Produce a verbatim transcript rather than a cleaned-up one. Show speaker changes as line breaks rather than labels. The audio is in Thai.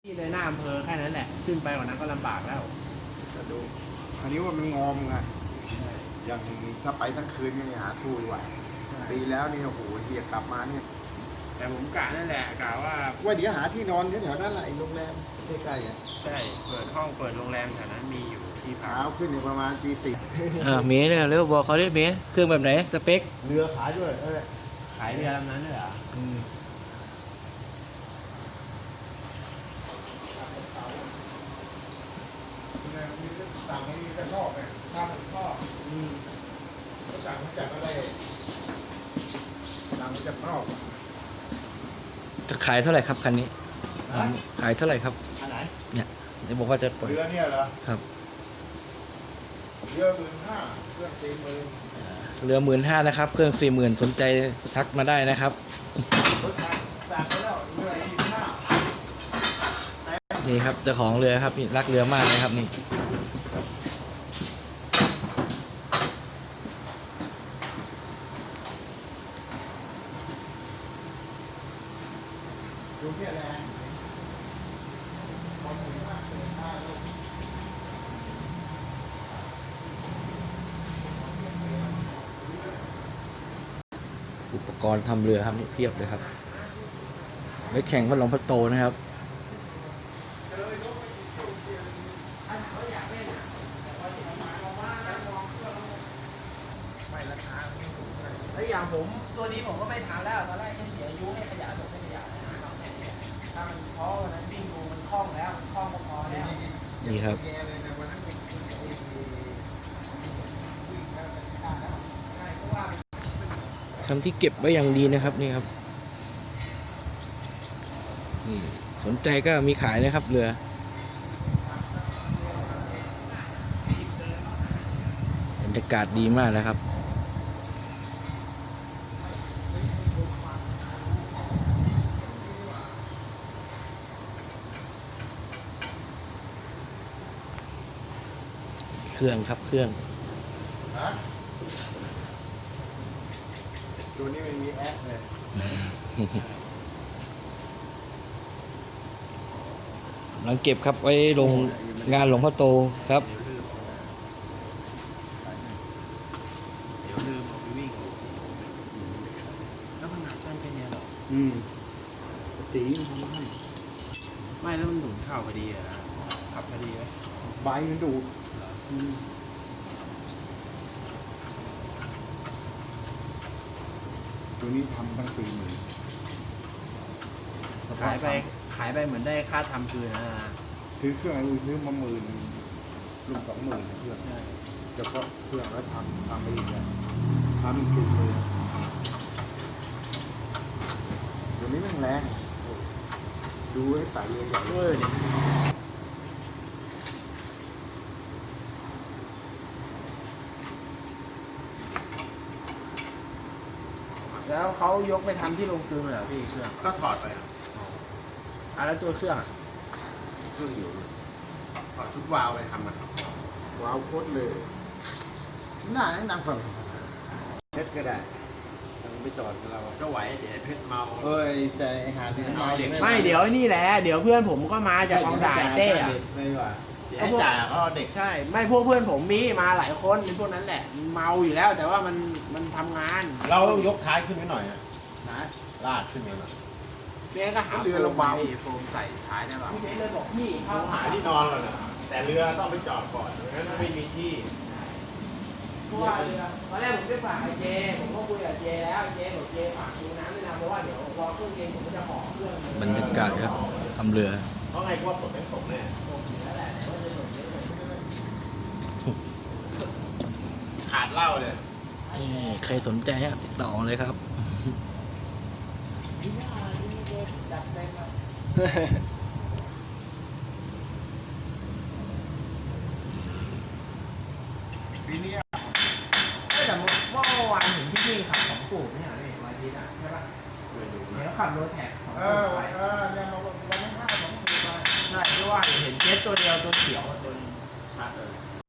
ที่เลยหน้าอำเภอแค่นั้นแหละขึ้นไปกว่านั้นก็ลำบากแล้วจะดู
อันนี้ว่ามันงอมไงอย่างถ้าไปทั้งคืนนี่หาทู่ไหวปีแล้วนี่โอ้โหเดียกลับมาเนี่ย
แต่ผมกะนั่นแหละกะว่า
ว่าเดี๋ยวหาที่นอนแถวนั้นแหละโรงแรมใกล้ๆอ่ะ
ใช่เปิดห้องเปิดโรงแรมแถวนั้นมีอยู่ที่พัก
เช้าขึ้นอยู่ประมาณตีสี่
เออเมย์เนี่ยเร็วบอกเขาได้เมย์เครื่องแบบไหนสเปค
เรือขายด้วยเออ
ขายเรือลำนั้นเลยเหรอ
สั่งให้กระชอบเนี่ยข้าวมันทอดก็สั่งมาจากอะไรสั่งมาจากนอก
จะขายเท่าไหร่ครับคันนี้ขายเท่าไหร่ครับ
อันไหน
เนี่ยจะบอกว่าจะปล่อย
เรือเนี่ยเหรอ
ครับ
เรือหมื่นห้าเครื่องสี่หมื่น
เรือหมื่นห้านะครับเครื่องสี่หมื่นสนใจทักมาได้นะครับนี่ครับเจ้าของเรือครับนี่รักเรือมากเลยครับนี่
ดูเพี้ยแรง
อุปกรณ์ทำเรือครับนี่เพียบเลยครับไว้แข่งพัดลมพัดโตนะครับ
แล้วอย่างผมตัวนี้ผมก็ไม่ทำแล้วตอนแรกแค่เสียอายุให้ขยะจบให้ขยะถ้ามันเพราะวันนั้นวิ่งดูมันคล่องแล้วมันคล่องพอแล้ว
นี่ครับทำที่เก็บไว้อย่างดีนะครับนี่ครับนี่สนใจก็มีขายนะครับเรือบรรยากาศดีมากนะครับเครื่องครับเครื่อง
ตัวนี้ไม่มีแอปเลย
หลังเก็บครับไว้ลงงานหลวงพ่อโตครับ
เดี๋ยวลืมเอาไปวิ่งแล้วมันหนักสั้นแค่นี้หรอ
อืมตีมันทำให้
ไม่แล้วมันหนุนเข้าพอดีอะนะขับพอดีไหม
ใบมันดูดตัวนี้ทำตั้งสี่หมื่น
ขายไปขายไปเหมือนได้ค่าทำคืนนะ
ซื้อเครื่องอะไรซื้อมาหมื่นรวมสองหมื่นเครื่องเฉพาะเครื่องแล้วทำทำไปอีกเนี่ยทำอีกสี่หมื่นตัวนี้มันแรงดูให้ใส่เยอะใหญ่
เลยแล้วเขายกไปทำที่โรงกลึงเหรอพี่เครื่อง
ก็ถอดไป
อ่ะแล้วตัวเครื่องอ่ะ
เครื่องอยู่ถอดชุดวาล์วไปทำอ่ะวาล์วโคตรเลยน่าแนะนำฝั่งเพชรก็ได้ไม่จอดเราก็ไหวเดี๋ยวเพชรเมาเอ้ยแต่หาที่เมาเด็ก
ไม่เดี๋ยวนี่แหละเดี๋ยวเพื่อนผมก็มาจากคลองด่านเต้อะ
ไม่ว่าให้จ่ายเขาเด็ก
ใช่ไม่พวกเพื่อนผมมีมาหลายคนเป็นพวกนั้นแหละเมาอยู่แล้วแต่ว่ามันมันทำงาน
เรายกท้ายขึ้นไปหน่อยนะลาดขึ้นไปหน่อย
เมียก็หาเรือระบายโฟมใส่ท้ายได้ป่ะพี่เลยบอกพี่
เขาหาที่นอนก่อนนะแต่เรือต้องไปจอดก่อนงั้นไม่มีที่
เพราะว่าเรือตอนแรกผมไปฝากไอเจผมก็คุยกับเจแล้วเจบอกเจฝากดูน้ำด้วยนะเพราะว่าเดี๋ยวรอเครื่องเย็นผมก็จะห่อเครื่อง
บรรยากาศครับทำเรือ
เพราะไงว่าฝนไม่ตกแน่ขาดเหล้าเลย
ใครสนใจติดต่อเลยครับ
ปีนี้
แต่เมื่อวานเห็นพี่พี่ขับของปู่ไม่ใช่ไหมวันอาทิตย์อ่ะใช่ปะเดี๋ยวขับรถแท็กของปู่ไป
เออยังมาวันนั้นห้าสองปู่ไป
ใช่เพราะว่าเห็นเจ็ตตัวเดียวตัวเขียวตัวชัดเลย